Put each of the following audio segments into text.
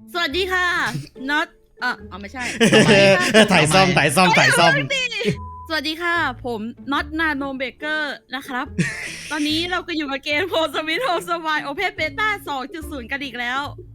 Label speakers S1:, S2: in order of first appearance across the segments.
S1: สวัสดีค่ะน็อตไม่ใช่
S2: ถ่ายซ่อม
S1: สวัสดีค่ะ ผมน็อตนาโนเบเกอร์นะครับ ตอนนี้เราก็อยู่กับเกมโพสมิธโฮสวายโอเพนเบต้า 2.0 กันอีกแล้ว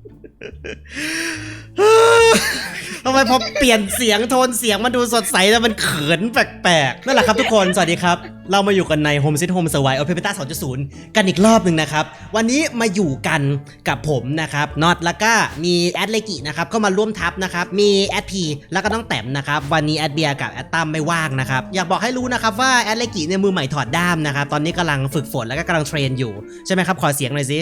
S2: ทำไมพอเปลี่ยนเสียงโทนเสียงมันดูสดใสแต่มันเขินแปลกๆนั่นแหละครับทุกคนสวัสดีครับเรามาอยู่กันใน Home Sweet Home Survival Open Beta 2.0 กันอีกรอบหนึ่งนะครับวันนี้มาอยู่กันกับผมนะครับน็อตแล้วก็มีแอดเลกินะครับเข้ามาร่วมทัพนะครับมีแอดพีแล้วก็น้องแต้มนะครับวันนี้แอดเบียร์กับแอดตั้มไม่ว่างนะครับอยากบอกให้รู้นะครับว่าแอดเลกิเนี่ยมือใหม่ถอดด้ามนะครับตอนนี้กำลังฝึกฝนแล้วก็กำลังเทรนอยู่ใช่ไหมครับขอเสียงหน่อยสิ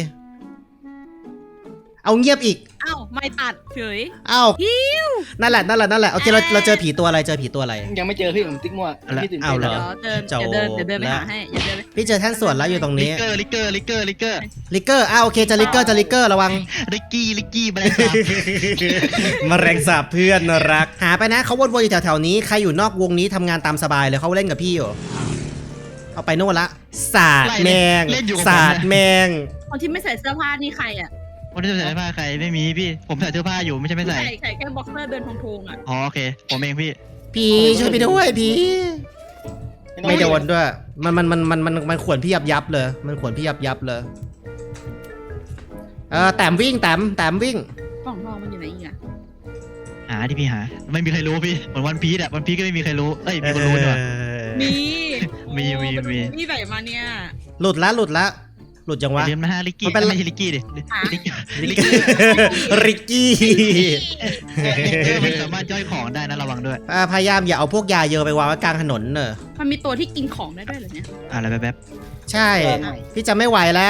S2: เอาเงียบอีก
S1: อ้าวไม่ตัดเฉย
S2: อ้าวนั่นแหละโอเคเราเจอผีตัวอะไร
S3: ยังไม่เจอพี่ผมติ๊กมั่วพี่ตื่น
S2: เอา
S3: เต้น
S2: เหรอ
S1: เดี๋ยวเดินไปหาให้อย่าเดิน
S2: พี่เจอแท่นส่วนแล้วอยู่ตรงนี้
S4: ลิกเกอร์
S2: ลิกเกอร์โอเคจะลิกเกอร์ระวัง
S4: ลิกกี้มาเลยครับ
S2: มแมลงสาบเพื่อนรักหาไปนะเขาวนๆอยู่แถวๆนี้ใครอยู่นอกวงนี้ทำงานตามสบายเลยเขาเล่นกับพี่อยู่เอาไปโน่นละสาดแมง
S1: คนที่ไม่ใส่เสื้อผ้านี่ใครอ่ะ
S4: คนที่ใส่เสื้อผ้าใครไม่มีพี่ผมใส่เสื้อผ้าอยู่ไม่ใช่ไม่ใส่
S1: ใส่แค่บ็อกเซอร์เดินทงๆอ่ะ
S4: อ๋อโอเคผมเองพี่
S2: ช่วยพี่ด้วยพี่ไม่โดนด้วยมันขวนพี่ยับเลยมันขวนพี่ยับเลยแต้มวิ่งวิ่ง
S1: กล่องทองมันอยู่ไหนอีกอ่ะ
S4: หาที่พี่หาไม่มีใครรู้พี่เหมือนวันพีชก็ไม่มีใครรู้เอ้ยมีคนรู้ด้วย
S1: มีไหนมาเนี่ย
S2: หลุดละหลุดจังวะ
S4: เรียนมาลิกกี้ไม่ใช่ลิกกี้ดิ
S2: ริกกี้
S4: มันสามารถย่อยของได้นะระวังด้วย
S2: พยายามอย่าเอาพวกยาเยอะไปวางไว้กลางถนนเนอะ
S1: มันมีตัวที่กินของได้ด้วยเหรอเนี่ย
S4: อะไรแบบ
S2: ใช่พี่จะไม่ไหวแล้ว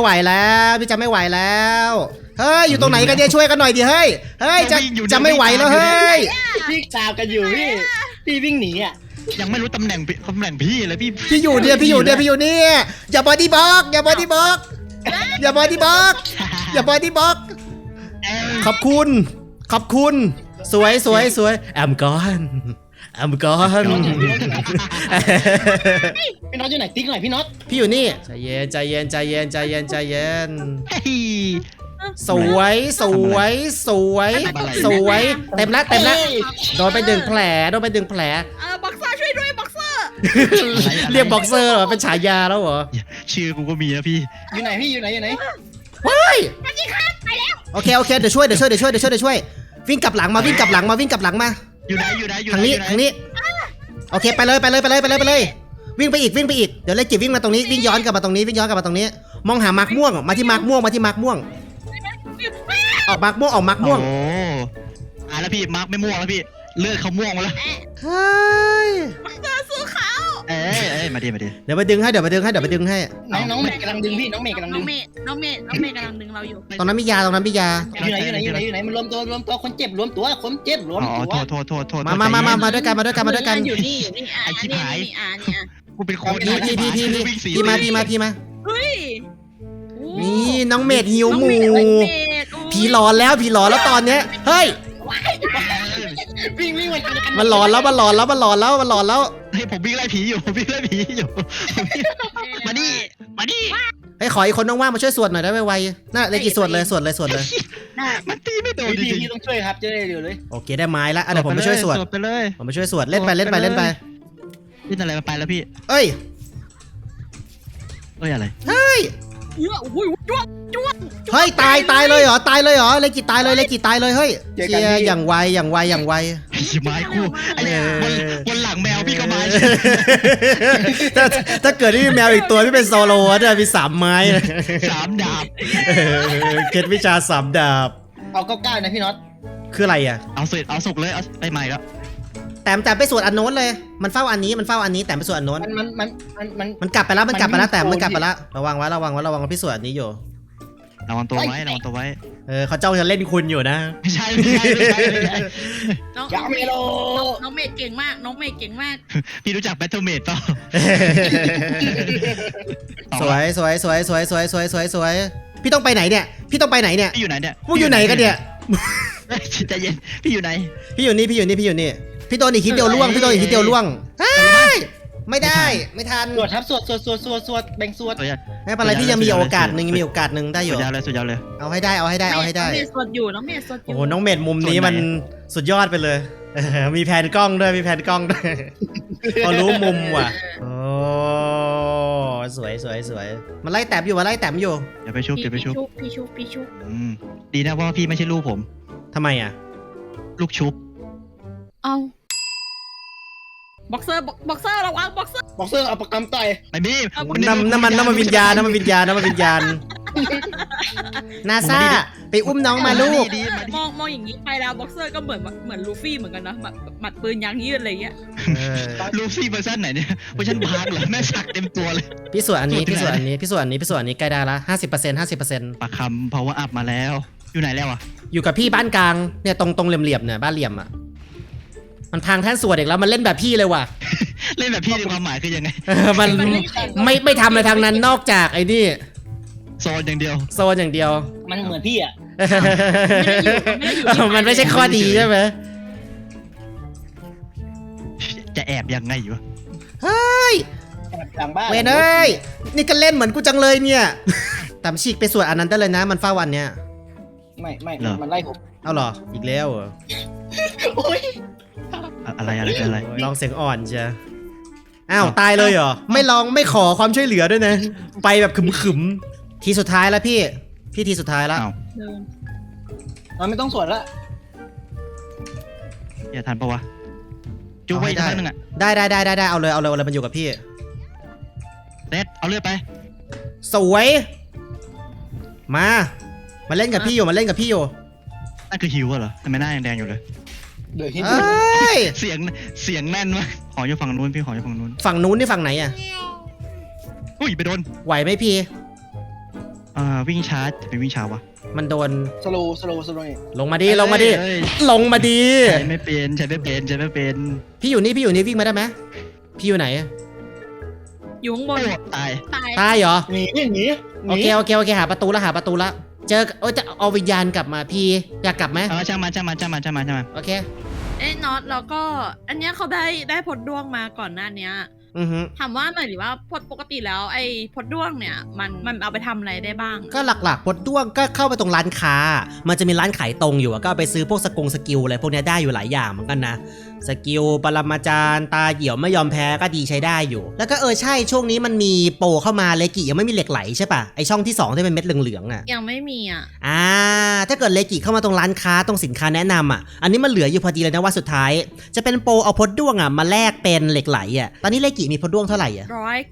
S2: เฮ้ยอยู่ตรงไหนกันเนี่ยช่วยกันหน่อยดิเฮ้ยจะไม่ไหวแล้วเฮ้ย
S3: พี่ตามกันอยู่พี่วิ่งหนีอ่ะ
S4: ยังไม่รู้ตำแหน่งพี่เลย
S2: พี่อยู่เนี่ยอย่าบอดี้บล็อกขอบคุณสวยแอมกอน
S3: พี่น็อตอยู่ไหนติ๊กหน่อยพี่น็อต
S2: พี่อยู่นี่ใจเย็นสวยเต็มแล้วโดนไปดึงแผล
S1: บ็อกเซอร์ช่วยด้วยบ็อกเซอร์
S2: เรียกบ็อกเซอร์เหรอเป็นฉายาแล้วเหรอ
S4: ชื่อกูก็มีนะพี่
S3: อยู่ไหน
S2: ว้ายไปแล้วโอเคเดี๋ยวช่วยวิ่งกลับหลังมาอยู่ไหนทางนี้โอเคไปเลยวิ่งไปอีกเดี๋ยวเล็กจิบวิ่งมาตรงนี้วิ่งย้อนกลับมาตรงนี้มองหามาร์กม่วงมาที่มาร์กม่วงออกมาร์กม่วง
S4: โอ้แล้วพี่มาร์กไม่ม่วงแล้วพี่เลือดเขาม่วงแล้ว
S2: เฮ้ย
S1: เจอสู้เขา
S4: มาดิ
S2: เดี๋ยวไปดึงให้น้
S3: องเมย์กำลังดึงพี่น้องเมย์กำลังดึง
S1: เราอยู่
S2: ตรงนั้นมียาอยู่
S3: ไหนมันรวมตัวคนเจ็บรวมตัวโทษ
S2: มาด้วยกัน
S1: อยู่นี่
S4: ไอ้ชิบหายกูเป็นคน
S2: พี่มา
S1: เฮ้ย
S2: นี่น้องเมดหิวหมูผีหลอนแล้วตอนเนี้ยเฮ้ย
S3: วิ่ง
S2: มันหลอนแล้ว
S4: ให้ผมวิ่งไล่ผีอยู่มาดิ
S2: ให้ขออีกคนว่างๆมาช่วยสวดหน่อยได้ไวๆน่าเลยกี่สวดเลย
S4: มันตีไม่โดน
S3: พี่ต้องช่วยครับจะได้เร็วเลย
S2: โอเคได้ไม้แล้วเดี๋ยวผมไปช่วยสวดเล่นไป
S4: พี่อะไรมาไปแล้วพี่
S2: เอ้ย
S4: อะไร
S2: เฮ้ยตายเลยเหรอเลกิตายเลยเฮ้ยเจียอย่างไว
S4: ไม้คู่ไอ้บนหลังแมวพี่ก็ไม้
S2: ถ้าเกิดที่มีแมวอีกตัวที่เป็นโซโล่จะมี3 ไม้
S4: 3 ดาบ
S2: เคล็ดวิชา3 ดาบ
S3: เอา9นะพี่น็อต
S2: คืออะไรอ่ะ
S4: เอาสุกเลยเอาไปใหม่แล้ว
S2: แต่ไปสวดอันโน้นเลยมันเฝ้าอันนี้แต่ไปสวดอันโน้นมันกลับไปแล้วแต่มันกลับไปแล้วระวังพี่สวดอันนี้อยู่
S4: ระวังตัวไว้
S2: เขาจ้องจะเล่นคุณอยู่นะ
S4: ไม่ใช่
S1: น้องเมดเก่งมาก
S4: พี่รู้จักแบทเทิลเมดเปล่า
S2: สวยพี่ต้องไปไหนเนี่ย
S4: พี่อยู่ไหนเนี่ย
S2: พวกอยู่ไหนกันเนี่ย
S4: ใจเย็นพี่อยู่ไหน
S2: พี่อยู่นี่พี่โดนอีกทีเดียวล่วงเฮ้ยไม่ได้ไม่ทัน
S3: สวดครับสวดแบ่งสวด
S4: ตัวยาว
S2: ไม่เป็นไรพี่ยังมีโอกาสหนึ่งยังมีโอกาสหนึ่งได้อ
S4: สุ
S2: ยู่
S4: ดยาวเลยสุดยาวเลย
S2: เอาให้ได้เอาให้ได้เอาให้ได้
S1: น้องเมย์สดอยู่น้องเมย์สดอ
S2: โอ้
S1: ยู่
S2: โหน้องเมดมุมนี้มันสุดยอดไปเลยมีแผนกล้องด้วยมีแผนกล้องด้วยพอรู้มุมว่ะโอ้สวยสวยสวยมันไล่แต้มอยู่มันไล่แต้มอยู่
S4: เดี๋ยวไปชุบเดี๋ยวไปชุบ
S1: พี่ชุบ
S4: ดีนะว่าพี่ไม่ใช่ลูกผม
S2: ทำไมอ่ะ
S4: ลูกชุบ
S1: เอาบ็อกเซอร์ระวังบ็อกเซอร์
S3: บ็อกเซอร์เอาประกำต่อย
S4: ไม่มี
S2: น้ำมันวิญญาณนาซาไปอุ้มน้องมาลูก
S1: มองอย่างนี้ไปแล้วบ็อกเซอร์ก็เหมือนลูฟี่เหมือนกันนะหมัดปืนยางยืดอะไรเงี้ย
S4: ลูฟี่เวอร์ชันไหนเนี่ยเวอร์ชันบาร์เหรอแม่สักเต็มตัวเลย
S2: พี่ส่วนอันนี้ใกล้ได้ละ50%
S4: ปากคำ power up มาแล้วอยู่ไหนแล้วอ่ะ
S2: อยู่กับพี่บ้านกลางเนี่ยตรงเหลี่ยมๆเนี่ยบ้านเหลี่ยมอ่ะมันพังแท่นสวดอีกแล้วมันเล่นแบบพี่เลยว่ะ
S4: เล่นแบบพี่ในความหมายคือยังไง
S2: มันไม่ทำอะไรทางนั้นนอกจากไอ้นี่
S4: โซนอย่างเดียว
S2: โซนอย่างเดียว
S3: มันเหมือนพี่อ่ะ
S2: มันไม่ใช่ข้อดีใช่ไหม
S4: จะแอบยังไงอยู่
S2: เฮ้ย
S3: หลังบ้าน
S2: เวนเอ้ยนี่ก็เล่นเหมือนกูจังเลยเนี่ยตามฉีกไปสวดอันนั้นได้เลยนะมันเฝ้าวันเนี่ย
S3: ไม่มันไล่ผม
S2: เอาเหรออีกแล้วเหรอ
S3: โอ้ย
S4: อะไร
S2: ลองเสียงอ่อนเชียอ้าวตายเลยเหรอไม่ลองไม่ขอความช่วยเหลือด้วยนะไปแบบขึมๆทีสุดท้ายแล้วพี่ทีสุดท้ายแล้ว
S4: อ้าว
S3: เราไม่ต้องสวดละ
S4: อย่าทันปะวะจุ๊บไว้สักนึงอ่ะ
S2: ได้เอาเลยมันอยู่กับพี่
S4: เซตเอาเลือดไป
S2: สวยมาเล่นกับพี่อยู่นั่น
S4: คือฮิวเหรอทำไมหน้ายังแดงอยู่เลย
S3: เดี๋ยวให้
S2: เอ้ย
S4: เสียงแน่นมากขออยู่ฝั่งนู้นพี่ขออยู่ฝั่งนู้น
S2: ฝั่งนู้นนี่ฝั่งไหนอ่ะ
S4: อุ้ยไปโดน
S2: ไหวไหมพี่
S4: วิ่งช้าจะไปวิ่งช้าวะ
S2: มันโดน
S3: สโลนี่
S2: ลงมาดิ
S4: เอ้ย
S2: ลงมาดิ
S4: ใช้ไม่เป็น
S2: พี่อยู่นี่วิ่งมาได้ไหมพี่อยู่ไหน
S1: อยู่ข้างบน
S4: โอ้ตาย
S2: ตายเหรอ
S3: หนี
S2: โอเคหาประตูละเจอจะเอาวิญญาณกลับมาพี่อยากกลับไหม
S4: ช่างมัน
S2: โอเค
S1: น็อตแล้วก็อันเนี้ยเขาได้พดด้วงมาก่อนหน้าเนี้ย
S2: อือฮึ
S1: ถามว่าหน่อยหรือว่าปกติแล้วไอ้พดด้วงเนี่ยมันเอาไปทำอะไรได้บ้าง
S2: ก็หลักๆพดด้วงก็เข้าไปตรงร้านค้า มันจะมีร้านขายตรงอยู่อะก็เอาไปซื้อพวกสกิลอะไรพวกเนี้ยได้อยู่หลายอย่างเหมือนกันนะสกิลปรมาจารย์ตาเหี่ยวไม่ยอมแพ้ก็ดีใช้ได้อยู่ แล้วก็ใช่ช่วงนี้มันมีโปรเข้ามาเลกิยังไม่มีเหล็กไหลใช่ปะไอช่องที่2ที่เป็นเม็ดเหลืองๆอะ
S1: ยังไม่มีอ่ะ
S2: ถ้าเกิดเลกิเข้ามาตรงร้านค้าตรงสินค้าแนะนำอ่ะอันนี้มันเหลืออยู่พอดีเลยนะว่าสุดท้ายจะเป็นโปรเอาพดด้วงอ่ะมาแลกเป็นเหล็กไหลอ่ะตอนนี้เลกิมีพดด้วงเท่าไหร่อ่ะ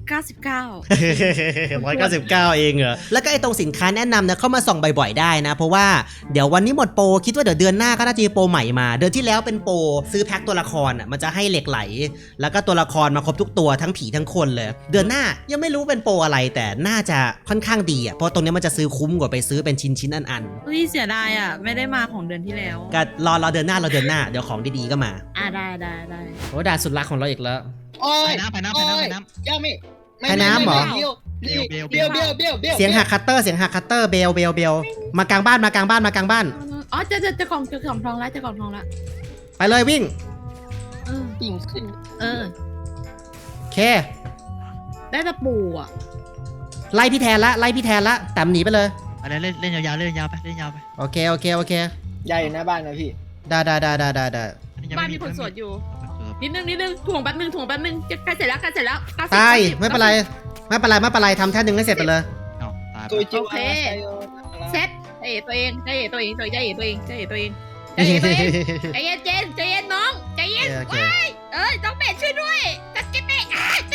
S1: 199
S2: 199 เองเหรอแล้วก็ไอตรงสินค้าแนะนำนะเข้ามาส่องบ่อยๆได้นะเพราะว่าเดี๋ยววันนี้หมดโปรคิดว่าเดี๋ยวเดือนหน้าก็น่าจะมีโปรใหม่มาเดือนที่แล้วเป็นโปรซื้อแพ็คตัวละครอ่ะมันจะให้เหล็กไหลแล้วก็ตัวละครมาครบทุกตัวทั้งผีทั้งคนเลยเดือนหน้ายังไม่รู้เป็นโปรอะไรแต่น่าจะค่อนข้างดีอ่ะเพราะตรงนี้มันจะซื้อคุ้มกว่าไปซื้อเป็นชิ้นๆอัน
S1: เฮ้ยเสียดายอ่ะไม่ได้มาของเดือนที่แล้ว
S2: ๆก็รอเดือนหน้าเดี๋ยวของดีๆก็มา
S1: ได้
S2: โอ้ด่านสุดรักของเราอีกแล้ว
S3: โอ้ย
S4: ไปน้ำ
S3: ย่าไม่
S2: ให้น้ำเหรอ
S3: เบี้ยว
S2: เสียงหักคัตเตอร์เบลมากลางบ้าน
S1: อ๋อเจะกล่องทองแล้ว
S2: ไปเลยวิ่ง
S3: ปิ่งขึ้น
S2: โอเค
S1: ได้ตะปูอ่ะ
S2: ไล่พี่แทนละแต่หนีไปเลย
S4: อะไรเล่นยาวๆเล่นยาวไป
S2: โอเค
S3: ยายอยู่หน้าบ้านนะพี่
S2: ได้
S1: บ้านมีคนสวดอยู่นิดนึงถ่วงแป๊บนึงจะใกล้เสร็จแล้ว90
S2: ตายไม่เป็นไรทำแท่นหนึ่งให้เสร็จไปเลย
S3: ตัวจิ๋ว
S1: เซตตัวเองใจเย็นใจเย็นน้องใจเย็น
S2: โอเค
S1: ต้องเบสช่วยด้วยกัสเก็ตเบส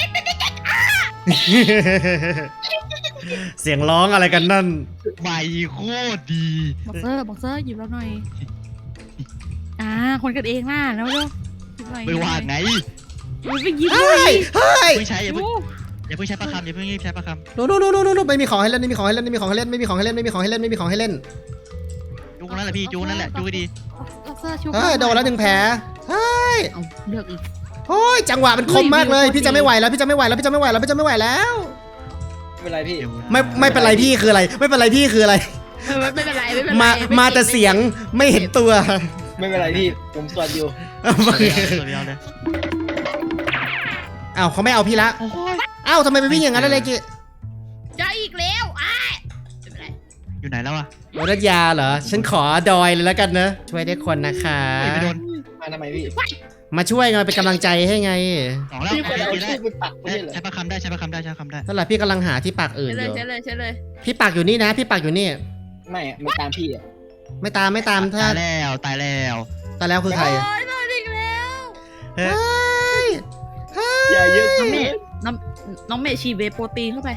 S2: เสียงร้องอะไรกันนั่น
S4: ใบโคตรดี
S1: บ็อกเซอร์หยิบแล้วหน่อยคนกันเองน่ะแล้ว
S4: ไม่ว่าไง
S1: ไปหยิบ
S2: เฮ้ย
S4: เพิ่งใช้อย่าเพิ่งใช้ประคำอย่าเพิ่งรีบใช้ประคำ
S2: โน้ไม่มีของให้เล่นยุคนั้นแหละพี่
S4: จูนั่นแหละจูก็ดี
S1: บ็อกเซอร์ชุบ
S2: โดนแล้ว1แผล
S1: เลือกอีก
S2: โอ้ยจังหวะมันคมมากเลยพี่จะไม่ไหวแล้ว
S3: ไม่เป็นไรพี่
S2: ไม่เป็นไรพี่คืออะไรไม่เป็นไร มาแต่เสียงไม่เห็นตัว
S3: ไม่เป็นไรพี่ผมสวดอยู่
S2: อ้าวเขาไม่เอาพี่ละ
S4: โอ้ย
S2: อ้าวทำไมไปวิ่งอย่างนั้นล่ะเลกิ
S1: จะอีกแล้วไม่เป็นไร
S4: อยู่ไหนแล้วอะ
S2: โดนัทยาเหรอฉันขอดอยเลยแล้วกันนะช่วยได้คนนะคะ
S4: ไม่โดน
S3: มาทำไมพี่
S2: มาช่วยไงเป็นกำลังใจให้ไง
S4: สองแล้ว
S3: พี่คนเอา
S4: ได้
S3: ชื่อไปปักไม่ใช่เหรอ
S4: ใช้ประคำได้ใช้ประคำได้ใช้ประคำได้
S2: นั่นแหละพี่กำลังหาที่ปักอื่น
S1: ใช่
S2: อ
S1: เลย
S2: ยู่
S1: ใช่เลยใช่เลย
S2: พี่ปักอยู่นี่นะ พี่ปักอยู่นี่
S3: ไม่อะมันตามพี่อ่ะ
S2: ไม่ตามถ้า
S4: ตายแล้วตายแล้ว
S2: ตายแล้วคือใคร
S1: โอ้ยโดนอีกแล้ว
S2: เฮ้ยเฮ้ย
S3: อย่าเยอะ
S1: น้องเมย์น้องเมย์ฉีดเวย์โปรตีนเข้าไป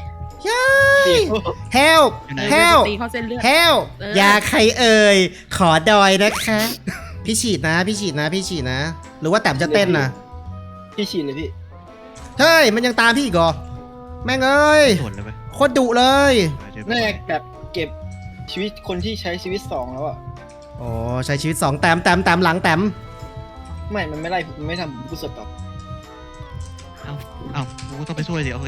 S2: help
S4: อยู่ไหน
S1: เวย์
S2: help
S1: โปรตีนเข้าเส้นเลือด
S2: help
S1: เออ
S2: อย่าใครเอ่ยขอดอยนะคะ พี่ฉีดนะ พี่ฉีดนะ พี่ฉีดนะ หรือว่าแต้มจะเต้นนะ
S3: พี่ฉีดเลยพี่
S2: เฮ้ยมันยังตามพี่อีกเหรอแม่งเอ้ย
S4: ส่วนเลยไป
S2: โคตรดุเลย
S3: น่าจะแบบเก็บชีวิตคนที่ใช้ชีวิต2แล้วอ่ะ
S2: โอ้ใช้ชีวิต2แต้มหลังแต้ม
S3: ไม่มันไม่ไล่ผมไม่ทำผมกูสดต่อ
S4: เอ้ากูต้องไปช่วยสิโอเค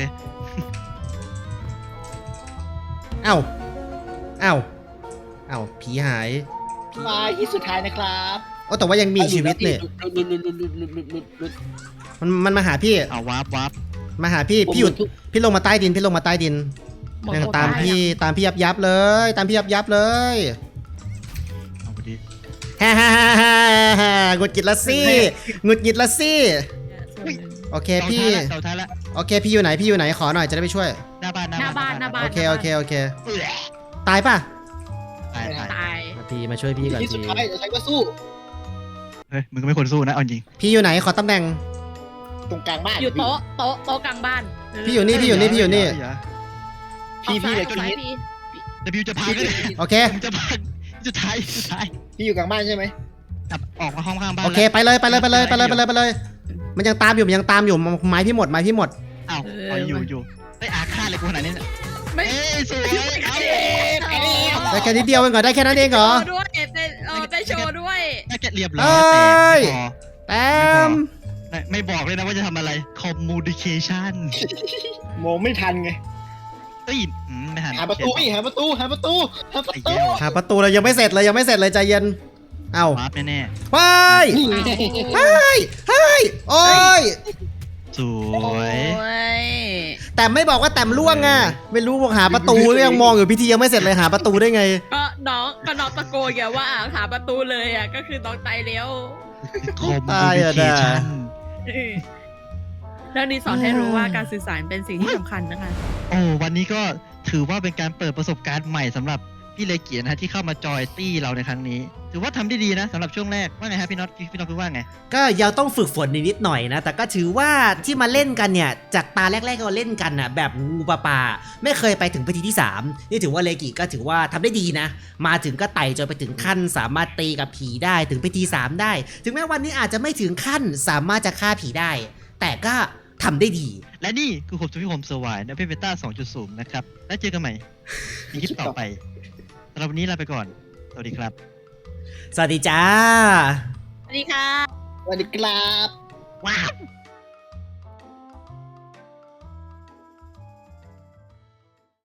S2: เอ้าเอ้าเอ้าผีหาย
S3: มาที่สุดท้ายนะครับ
S2: โอ้แต่ว่ายังมีชีวิตเนี่ย
S3: ลุด
S2: มันมาหาพี่
S4: เอาวาร์ปวาร์ป
S2: มาหาพี่พี่หยุดพี่ลงมาใต้ดินพี่ลงมาใต้ดิน
S1: หมด
S2: ยัง
S1: โคว
S2: ตาม
S1: อะ
S2: พี่ยับเลย ตามพี่ยับเลย
S4: เอาไปดิ
S2: ฮ่าฮ่าฮ่าฮ่าฮ่าหงุดหงิดละสิหงุดหงิดละสิ
S1: ส่วนหนึ่ง
S2: โอเค
S4: เสา
S2: พี่
S4: ท้ายละเสาท้ายละ
S2: โอเคพี่อยู่ไหนพี่อยู่ไหนขอหน่อยจะได้ไปช่วย
S4: หน้าบ้าน
S1: หน้าบ้าน
S2: โอเคโอเคโอเค
S4: เอื้อ
S2: ตายป่ะ
S4: ตายตาย
S1: ตาย
S2: มาพี่มาช่วยพี่ก่อน
S3: ที่สุด
S2: พี่
S3: ท้ายจะใช้ก็สู้
S4: เฮ้ยมึงก็ไม่ควรสู้นะเอาจริง
S2: พี่อยู่ไหนขอตำแหน่ง
S3: ตรงกลางบ้าน
S1: อยู่โต๊ะกลางบ้าน
S2: พี่อยู่นี่พี่อยู่นี่พี่อยู่นี่
S3: พี่เหลือ
S1: อ
S3: กี่
S1: ซ้าย
S3: นิด
S1: พี่
S4: แต่บิวจะพังเลย
S2: โอเค
S4: มึงจะพังจะท้ายจะท้าย
S3: พี่อยู่กลางบ้านใช่ไหม
S4: กลับออกมาห้องข้างบ้าน
S2: โอเคไปเลยไปเลยไปเลยไปเลยไปเลยไปเลย มันยังตามอยู่มันยังตามอยู่ไม้พี่หมดไม้พี่หมด
S4: เอ้าเอาอยู่เฮ้ยอาฆาตเลยกูขนาดนี้เนี่ย
S1: ไม่
S4: เอ้ยสวยเอา
S2: ได้แค่นิดเดียวเองเหรอได้แค่นั้นเองเหรอ
S1: โชว์ด้วยได้โชว์ด้วย
S4: น่าจะเรียบร้อย
S2: เอ้ย
S4: แต่
S2: แต้ม
S4: ไม่บอกเลยนะว่าจะทำอะไร communication
S3: มองไม่ทันไง
S4: เอ้ยไม่หัน
S3: หาประตูพี่หาประตูหาประตูหาประ
S4: ไอ้
S3: ตู
S4: แก้ว
S2: หาประตูเลยยังไม่เสร็จเลยยังไม่เสร็จเลยใจเย็น เอ้าว
S4: าร์ปแน่
S2: ไป
S3: นี่ไง
S2: เฮ้ยเฮ้ยโอ้ย
S4: ๆสว
S1: โอ้
S4: ย
S1: ย
S2: แต่ไม่บอกว่าแต้มล่วงอ่ะไม่รู้บอกหาประตูยังมองอยู่พิธียังไม่เสร็จเลยหาประตูได้ไง
S1: ก็น้องตะโกนแกว่าหาประตูเลยอ่ะก็คือน้องตายแล้ว
S2: ตายอะนะ
S4: communication
S1: เรื่องนี้สอนให้รู้ว่าการสื่อสารเป็นสิ่งที่สำคัญนะคะ
S4: โอ้วันนี้ก็ถือว่าเป็นการเปิดประสบการณ์ใหม่สำหรับพี่เลเกียรตินะฮะที่เข้ามาจอยตี้เราในครั้งนี้ ถือว่าทำได้ดีนะสำหรับช่วงแรกว่าไงฮะพี่น็อตคิดว่าไง
S2: ก็ยังต้องฝึกฝนนิดหน่อยนะ แต่ก็ถือว่าที่มาเล่นกันเนี่ยจากตาแรกๆที่เราเล่นกันน่ะแบบงูปลาปลาไม่เคยไปถึงพิธีที่ 3 นี่ถือว่าเลกิก็ถือว่าทำได้ดีนะ มาถึงก็ไต่จนไปถึงขั้นสามารถตีกับผีได้ถึงพิธี 3 ได้ ถึงแม้วันนี้อาจจะไม่ถึงขั้นสามารถจะฆ่าผีได้ แต่ก็ทำได้ดี
S4: และนี่คือผมสุพิคมสวายในเพเบต้า 2.0 นะครับ แล้วเจอกันใหม่ในคลิปต่อไปสำหรับวันนี้ลาไปก่อน สวัสดีครับ
S2: สวัสดีจ้า
S1: สวัสดีค่ะ
S3: สวัสดีครับ
S4: ว้าว